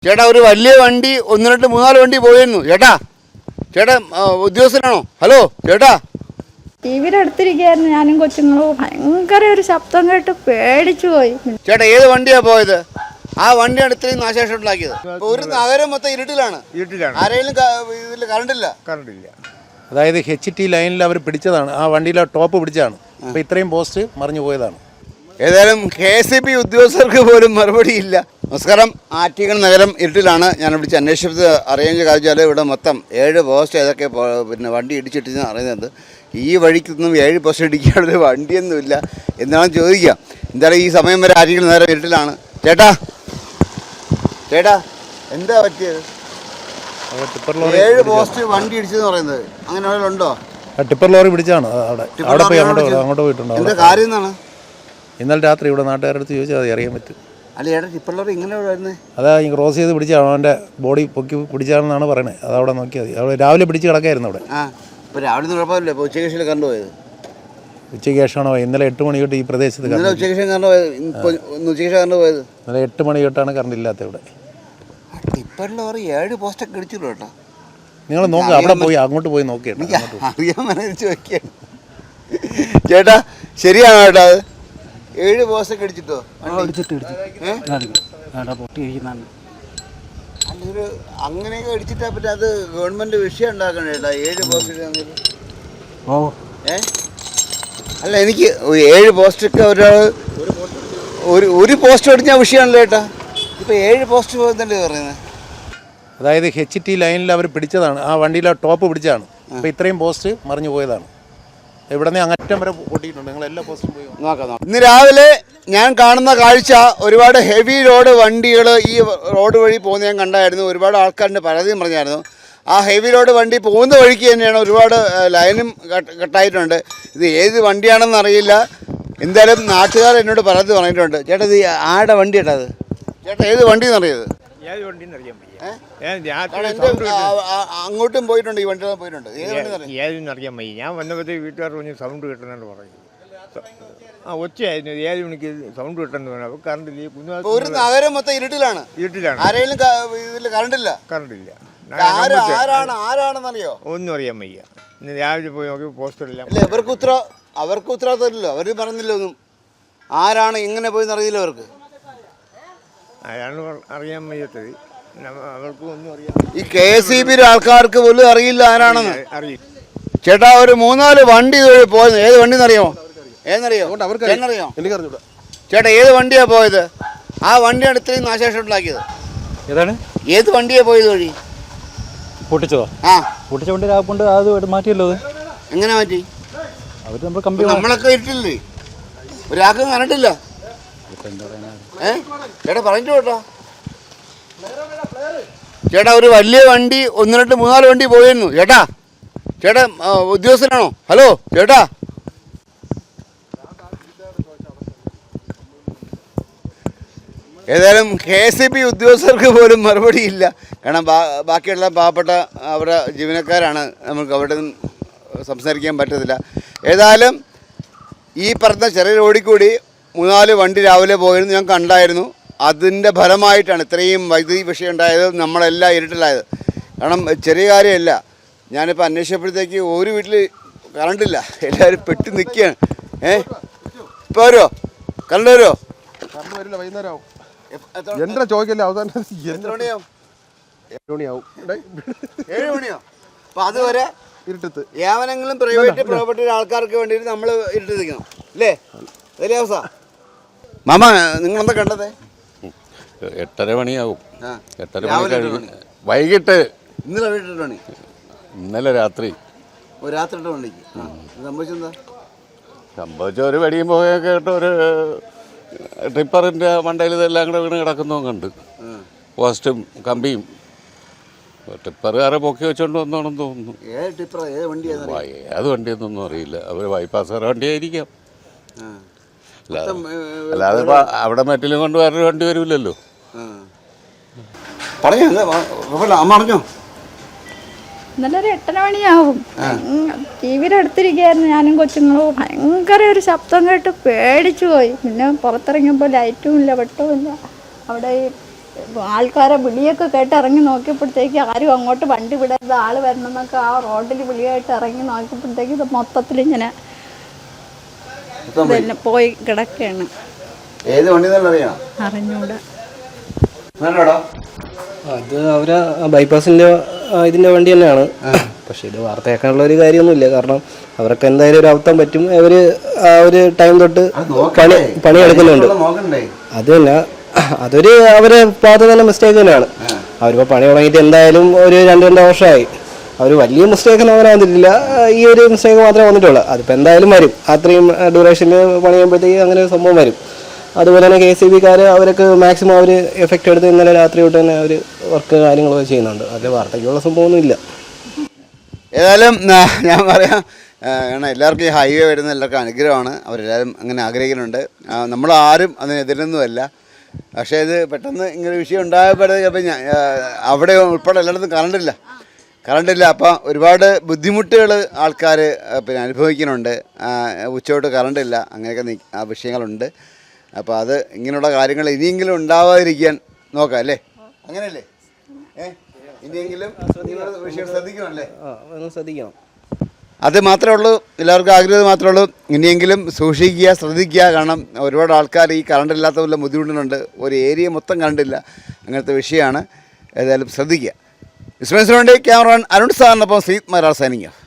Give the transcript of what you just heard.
ചേട്ടാ ഒരു വലിയ വണ്ടി 1 2 3 4 വണ്ടി പോയിരുന്നു. ചേട്ടാ ഉദ്യോഗസ്ഥനാണോ? ഹലോ ചേട്ടാ. ടിവിയുടെ അടുത്തിരിക്കുകയായിരുന്നു ഞാനും കൊച്ചുങ്ങളും. ഭയങ്കര ഒരു ശബ്ദം കേട്ട് പേടിച്ചു പോയി. ചേട്ടാ ഏത് വണ്ടിയാ പോയത്? ആ വണ്ടിയാണ് ഇത്രയും നാശനഷ്ടം ഉണ്ടാക്കിയത്. ഒരു നഗരം മൊത്തം ഇരുട്ടിലാണ്. ആരെങ്കിലും ഇതിൽ കറണ്ടില്ല. അതായത് HT ലൈനിൽ അവർ പിടിച്ചതാണ്, ആ വണ്ടിയിലെ ടോപ്പ് പിടിച്ചതാണ്. അപ്പോൾ ഇത്രയും പോസ്റ്റ് മറിഞ്ഞു പോയതാണ്. ഏതായാലും KCB ഉദ്യോഗസ്ഥർക്ക് പോലും മറുപടിയില്ല. നമസ്കാരം. ആറ്റിങ്ങൽ നഗരം ഇരുട്ടിലാണ്. ഞാൻ വിളിച്ച് അന്വേഷിച്ചത് അറിയാൻ കാണിച്ചാൽ ഇവിടെ മൊത്തം 7 പോസ്റ്റ് ഏതൊക്കെ വണ്ടി ഇടിച്ചിട്ടെന്ന് അറിയുന്നത്. ഈ വഴിക്കൊന്നും 7 പോസ്റ്റ് ഇടിക്കാനുള്ള വണ്ടിയൊന്നുമില്ല എന്നാണ് ചോദിക്കുക. എന്തായാലും ഈ സമയം വരെ ആറ്റിങ്ങൽ നഗരം ഇരുട്ടിലാണ്. ചേട്ടാ എന്താ പറ്റിയത്? 7 പോസ്റ്റ് വണ്ടി ഇടിച്ചെന്ന് പറയുന്നത് അങ്ങനെ ഉണ്ടോ? ടിപ്പർ ലോറി പിടിച്ചാണ്. അവിടെ പോയി അങ്ങോട്ട് പോയിട്ടുണ്ടോ? എന്താ കാര്യം എന്നാണ്? ഇന്നലെ രാത്രി ഇവിടെ നാട്ടുകാരുടെ അടുത്ത് ചോദിച്ചാൽ അത് അറിയാൻ പറ്റും. അല്ല ചേട്ടാ, ടിപ്പർ ലോറി ഇങ്ങനെ വരുന്നത്? അതാ ഈ ക്രോസ് ചെയ്ത് പിടിച്ചാണ്, അവൻ്റെ ബോഡി പൊക്കി പിടിച്ചാണെന്നാണ് പറയണത്. അതവിടെ നോക്കിയാൽ മതി. അവിടെ രാവിലെ പിടിച്ച് കിടക്കായിരുന്നു അവിടെ. ഇപ്പോൾ രാവിലെ കുഴപ്പമില്ല. ഇപ്പോൾ ഉച്ചയ്ക്ക് ശേഷം കറണ്ട് പോയത്? ഉച്ചയ്ക്ക് ശേഷമാണോ? ഇന്നലെ 8 മണി തൊട്ട് ഈ പ്രദേശത്ത് ഉച്ചയ്ക്ക് ശേഷം കറണ്ട് പോയത്. ഉച്ചയ്ക്ക് ശേഷം കറണ്ട് പോയത്? ഇന്നലെ 8 മണി തൊട്ടാണ് കറണ്ട് ഇല്ലാത്ത ഇവിടെ. ടിപ്പർ ലോറി 7 പോസ്റ്റൊക്കെ ഇടിച്ചിട്ടുള്ളൂ കേട്ടോ. നിങ്ങൾ നോക്കുക, അവിടെ പോയി അങ്ങോട്ട് പോയി നോക്കിയാണ് അറിയാൻ മനസ്സിച്ച് വയ്ക്കുകയാണ്. ചേട്ടാ ശരിയാണോ ചേട്ടാ? അത് 7 പോസ്റ്റൊക്കെ ഇടിച്ചിട്ടോ? അല്ലൊരു അങ്ങനെയൊക്കെ ഇടിച്ചിട്ടാ പറ്റും. അത് ഗവൺമെന്റ് വിഷയം ഉണ്ടാക്കണം ചേട്ടാ. 7 പോസ്റ്റ് അല്ല, എനിക്ക് 7 പോസ്റ്റൊക്കെ ഒരാൾ ഒരു പോസ്റ്റ് അടിച്ചാൽ വിഷയമാണല്ലോ ചേട്ടാ. ഇപ്പൊ 7 പോസ്റ്റ് പോകുന്നല്ലേ പറയുന്നത്? അതായത് HT ലൈനിൽ അവർ പിടിച്ചതാണ്, ആ വണ്ടിയിലെ ടോപ്പ് പിടിച്ചതാണ്. അപ്പോൾ ഇത്രയും പോസ്റ്റ് മറിഞ്ഞു പോയതാണ്. ഇവിടെ നിന്ന് അങ്ങറ്റം വരെ പൊട്ടിയിട്ടുണ്ട്. നിങ്ങൾ എല്ലാ പോസ്റ്റും പോയി നോക്കാം. ഇന്ന് രാവിലെ ഞാൻ കാണുന്ന കാഴ്ച, ഒരുപാട് ഹെവി ലോഡ് വണ്ടികൾ ഈ റോഡ് വഴി പോകുന്ന ഞാൻ കണ്ടായിരുന്നു. ഒരുപാട് ആൾക്കാരുടെ പരാതിയും പറഞ്ഞായിരുന്നു. ആ ഹെവി ലോഡ് വണ്ടി പോകുന്ന വഴിക്ക് തന്നെയാണ് ഒരുപാട് ലൈനും കട്ടായിട്ടുണ്ട്. ഇത് ഏത് വണ്ടിയാണെന്ന് അറിയില്ല. എന്തായാലും നാട്ടുകാർ എന്നോട് പരാതി പറഞ്ഞിട്ടുണ്ട്. ചേട്ടാ ഇത് ആരുടെ വണ്ടി ചേട്ടാ? അത് ചേട്ടാ ഏത് വണ്ടി എന്നറിയത്? അങ്ങോട്ടും പോയിട്ടുണ്ട്, ഈ വണ്ടി പോയിട്ടുണ്ട്. ഏതെന്ന് അറിയാൻ വയ്യ. ഞാൻ വന്നപ്പോഴത്തേക്ക് വീട്ടുകാർ പറഞ്ഞ് സൗണ്ട് കിട്ടുന്നുണ്ട് പറയും. ഒച്ചയായിരുന്നു. 7 മണിക്ക് സൗണ്ട് കിട്ടുന്നു. അപ്പോൾ കറണ്ടില്ല. ഒരു നഗരം മൊത്തം ഇരുട്ടിലാണ്. ആരെങ്കിലും ഇതിൽ കറണ്ടില്ല. ആരാണെന്നറിയോ? ഒന്നും അറിയാൻ വയ്യ. ഇന്ന് രാവിലെ പോയി നോക്കി പോസ്റ്ററെല്ലാം. അല്ല, അവർക്ക് ഉത്തരവാദിത്തമില്ലല്ലോ. അവർ പറഞ്ഞില്ല ഒന്നും. ആരാണ് ഇങ്ങനെ പോയെന്ന് അറിയില്ല അവർക്ക്. അതാണ് അറിയാൻ വയ്യാത്തത്. അവർക്ക് ഒന്നും അറിയാം. ഈ KCB ആൾക്കാർക്ക് പോലും അറിയില്ല ആരാണെന്ന്. അറിയില്ല ചേട്ടാ. ഒരു 3 4 വണ്ടി പോയത്. ഏത് വണ്ടി എന്നറിയോ? എന്നറിയോ? ചേട്ടാ ഏത് വണ്ടിയാ പോയത്? ആ വണ്ടിയാണ് ഇത്രയും നാശനഷ്ടം ഉണ്ടാക്കിയത്. ഏതാണ്? ഏത് വണ്ടിയാ പോയത് വഴി? പൊട്ടിച്ചതോ? പൊട്ടിച്ച വണ്ടി കൊണ്ട് അത് മാറ്റിയല്ലോ. അത് എങ്ങനെ മാറ്റി? അവര് നമ്മൾ കമ്പി നമ്മളൊക്കെ ഇട്ടില്ലേ? ഒരാൾക്കും കണ്ടിട്ടില്ല. ചേട്ടാ പറഞ്ഞിട്ട് കേട്ടോ. ചേട്ടാ ഒരു വലിയ വണ്ടി 1 2 3 4 വണ്ടി പോയിരുന്നു. ചേട്ടാ ഉദ്യോഗസ്ഥനാണോ? ഹലോ ചേട്ടാ. ഏതായാലും KCB ഉദ്യോഗസ്ഥർക്ക് പോലും മറുപടിയില്ല. കാരണം ബാക്കിയുള്ള പാവപ്പെട്ട അവരുടെ ജീവനക്കാരാണ്. നമുക്ക് അവിടെ നിന്ന് സംസാരിക്കാൻ പറ്റത്തില്ല. ഏതായാലും ഈ പറഞ്ഞ ചെറിയ റോഡിൽ കൂടി 3 4 വണ്ടി രാവിലെ പോയിരുന്നു, ഞാൻ കണ്ടായിരുന്നു. അതിൻ്റെ ഫലമായിട്ടാണ് ഇത്രയും വൈദ്യുതി വിഷയം ഉണ്ടായത്. നമ്മളെല്ലാം ഇരുട്ടിലായത്. കാരണം ചെറിയ കാര്യമല്ല. ഞാനിപ്പോൾ അന്വേഷിച്ചപ്പോഴത്തേക്ക് ഒരു വീട്ടിൽ കറണ്ടില്ല. എല്ലാവരും പെട്ടി നിൽക്കുകയാണ്. ഇപ്പോൾ വരുമോ? കറണ്ട് വരുമോ? കറണ്ട് വരില്ല, വൈകുന്നേരം ആവും. എന്താ ചോദിക്കല്ലേ? അവസാനം 7 മണിയാവും. 7 മണിയാവും. 7 മണിയോ? അപ്പോൾ അതുവരെ ഇരുട്ടത്ത് ഏവനെങ്കിലും പ്രൈവറ്റ് പ്രോപ്പർട്ടി ആൾക്കാർക്ക് വേണ്ടിയിട്ട് നമ്മൾ ഇരുട്ടി നിൽക്കണം അല്ലേ? വലിയ അവസ്ഥ. മാമ നിങ്ങളെന്താ കണ്ടത്? 8:30 മണിയാവും. 8:30 മണി കഴിഞ്ഞ് വൈകിട്ട്. ഇന്നലെ 8 മണി? ഇന്നലെ രാത്രി. രാത്രി 8 മണിക്ക് സംഭവിച്ചെന്താ? സംഭവിച്ച ഒരു വെടിയും പോയൊക്കെ കേട്ടോ. ഒരു ടിപ്പറിൻ്റെ മണ്ടയിൽ ഇതെല്ലാം കൂടെ വീണ് കിടക്കുന്നതും കണ്ട്. പോസ്റ്റും കമ്പിയും. ടിപ്പറുകാരെ പൊക്കി വെച്ചോണ്ട് വന്നോണെന്ന് തോന്നുന്നു. ഏത് വണ്ടിയെന്നൊന്നും അറിയില്ല. അവർ ബൈപ്പാസുകാരെ വണ്ടിയായിരിക്കാം. അല്ലാതെ ഇപ്പം അവിടെ മറ്റിലും കൊണ്ട് വേറൊരു വണ്ടി വരില്ലല്ലോ. പറഞ്ഞോ. ഇന്നലെ ഒരു 8:30 മണിയാവും. ടിവിയുടെ അടുത്തിരിക്കുകയായിരുന്നു ഞാനും കൊച്ചുങ്ങളും. ഭയങ്കര ഒരു ശബ്ദം കേട്ട് പേടിച്ചു പോയി. പിന്നെ പുറത്തിറങ്ങിയപ്പോൾ ലൈറ്റും ഇല്ല, വെട്ടവും ഇല്ല. അവിടെ ഈ ആൾക്കാരെ വിളിയൊക്കെ കേട്ട് ഇറങ്ങി നോക്കിയപ്പോഴത്തേക്ക് ആരും അങ്ങോട്ട് വണ്ടി വിടരുത്, ആൾ വരണമെന്നൊക്കെ ആ റോഡിൽ വിളിയായിട്ട് ഇറങ്ങി നോക്കിയപ്പോഴത്തേക്ക് ഇത് മൊത്തത്തിലിങ്ങനെ പിന്നെ പോയി കിടക്കുകയാണ്. ഏത് വണ്ടി അറിയാം? അറിഞ്ഞൂടാ. അത് അവരെ ബൈപ്പാസിൻ്റെ ഇതിൻ്റെ വണ്ടി തന്നെയാണ്. പക്ഷേ ഇത് വാർത്തയാക്കാനുള്ള ഒരു കാര്യമൊന്നുമില്ല. കാരണം അവർക്ക് എന്തായാലും ഒരു അബദ്ധം പറ്റും. അവർ ആ ഒരു ടൈം തൊട്ട് പണിയെടുക്കുന്നുണ്ട്. അത് തന്നെ അതൊരു അവരെ ഭാഗത്ത് തന്നെ മിസ്റ്റേക്ക് തന്നെയാണ്. അവരിപ്പോൾ പണി തുടങ്ങിയിട്ട് എന്തായാലും ഒരു 2-2 വർഷമായി. അവർ വലിയ മിസ്റ്റേക്കൊന്നും അങ്ങനെ വന്നിട്ടില്ല. ഈ ഒരു മിസ്റ്റേക്ക് മാത്രമേ വന്നിട്ടുള്ളൂ. അതിപ്പോൾ എന്തായാലും വരും. അത്രയും ഡ്യൂറേഷനിൽ പണി ചെയ്യുമ്പോഴത്തേക്ക് അങ്ങനെ ഒരു സംഭവം വരും. അതുപോലെ തന്നെ KCBക്കാർ അവർക്ക് മാക്സിമം അവർ എഫക്റ്റ് എടുത്ത് ഇന്നലെ രാത്രി തൊട്ട് തന്നെ അവർ വർക്ക് കാര്യങ്ങളൊക്കെ ചെയ്യുന്നുണ്ട്. അതിൽ വാർത്തയ്ക്കുള്ള സംഭവമൊന്നുമില്ല. ഏതായാലും ഞാൻ പറയാം, കാരണം എല്ലാവർക്കും ഈ ഹൈവേ വരുന്ന എല്ലാവർക്കും അനുഗ്രഹമാണ്. അവരെല്ലാവരും അങ്ങനെ ആഗ്രഹിക്കുന്നുണ്ട്. നമ്മളാരും അതിനെതിരൊന്നുമല്ല. പക്ഷേ ഇത് പെട്ടെന്ന് ഇങ്ങനെ വിഷയം ഉണ്ടായപ്പോഴത്തേക്ക് അപ്പം അവിടെ ഉൾപ്പെടെ എല്ലായിടത്തും കറണ്ടില്ല. അപ്പം ഒരുപാട് ബുദ്ധിമുട്ടുകൾ ആൾക്കാർ പിന്നെ അനുഭവിക്കുന്നുണ്ട്. ഉച്ചയോട്ട് കറണ്ടില്ല, അങ്ങനെയൊക്കെ വിഷയങ്ങളുണ്ട്. അപ്പോൾ അത് ഇങ്ങനെയുള്ള കാര്യങ്ങൾ ഇനിയെങ്കിലും ഉണ്ടാവാതിരിക്കാൻ നോക്കാം അല്ലേ? അങ്ങനെയല്ലേ? ഇനിയെങ്കിലും വിഷയം ശ്രദ്ധിക്കണമല്ലേ? ശ്രദ്ധിക്കണം. അത് മാത്രമേ ഉള്ളൂ, എല്ലാവർക്കും ആഗ്രഹം മാത്രമേ ഉള്ളൂ. ഇനിയെങ്കിലും സൂക്ഷിക്കുക, ശ്രദ്ധിക്കുക. കാരണം ഒരുപാട് ആൾക്കാർ ഈ കറണ്ട് ഇല്ലാത്ത പോലെ ബുദ്ധിമുട്ടുന്നുണ്ട്. ഒരു ഏരിയ മൊത്തം കറണ്ടില്ല, അങ്ങനത്തെ വിഷയമാണ്. ഏതായാലും ശ്രദ്ധിക്കുക. വിസ്മയസിന് വേണ്ടി ക്യാമറമാൻ അരുൺ സാറിനൊപ്പം സീത് മരാർ സൈനിങ് ഓഫ്.